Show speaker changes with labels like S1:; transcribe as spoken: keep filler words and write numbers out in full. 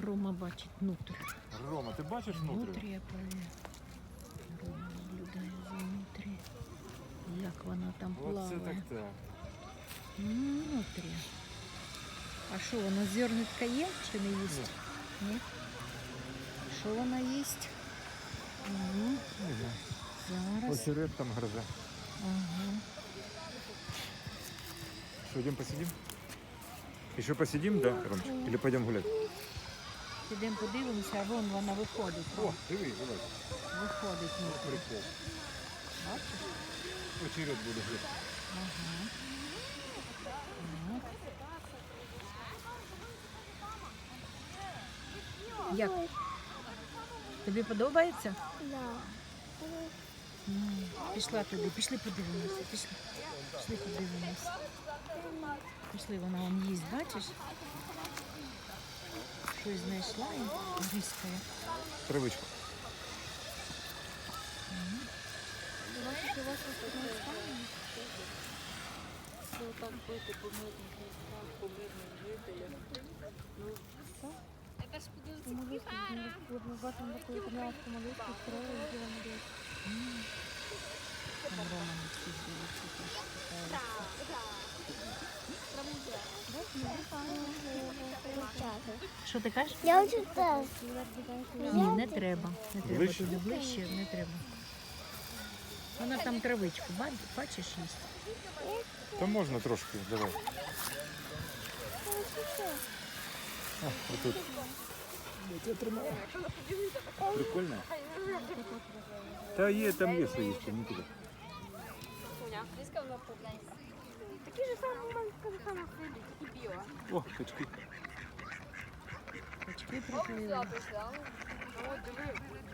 S1: Рома бачить внутрі.
S2: Рома, ти бачиш внутрі?
S1: Внутрі я провірю. Рома наблюдає за внутрі. Як вона там
S2: Оце
S1: плаває.
S2: так так.
S1: М, Внутрі. А що, вона зернятка є чи не їсть? Ні. Що вона їсть? Угу.
S2: Не знаю.
S1: Зараз.
S2: Очерет там грозе.
S1: Ага.
S2: Что, идем посидим? Еще посидим, да, Ромчик? Или пойдем гулять?
S1: Підемо подивимося, а вон вона виходить.
S2: О, диви, давай.
S1: Виходить внутрі.
S2: Прикол.
S1: Бачиш?
S2: Очерет буде грити.
S1: Ага. Так. Як? Тобі подобається?
S3: Да.
S1: М, Пішла туди, пішли подивимося, пішли. Пішли подивимося. Пішли, вона вон їсть, бачиш? Щось знайшла і гризкає.
S2: Травичку.
S3: Бачите, у вас не стане? Що так бити по мирних містах, по мирним жителям. Ну, все. Молитву, ми бачимо таку італійську молитву, строїли, і діла молитву.
S1: Там Рома на всіх дивиться, теж питається. Що ти кажеш?
S3: Я хочу теж.
S1: Ні, не треба. Не треба
S2: Ближче?
S1: туди ближче, не треба. Вона там травичку, ба- бачиш, їсть.
S2: Та можна трошки, давай. А, отут. Я тримаю. Прикольно. Та є, там є що їсти, не туди.
S3: Такі ж самі маленькі, саме хвилі, такі біо.
S2: О, качки.
S1: Качки приплили.
S3: От диви,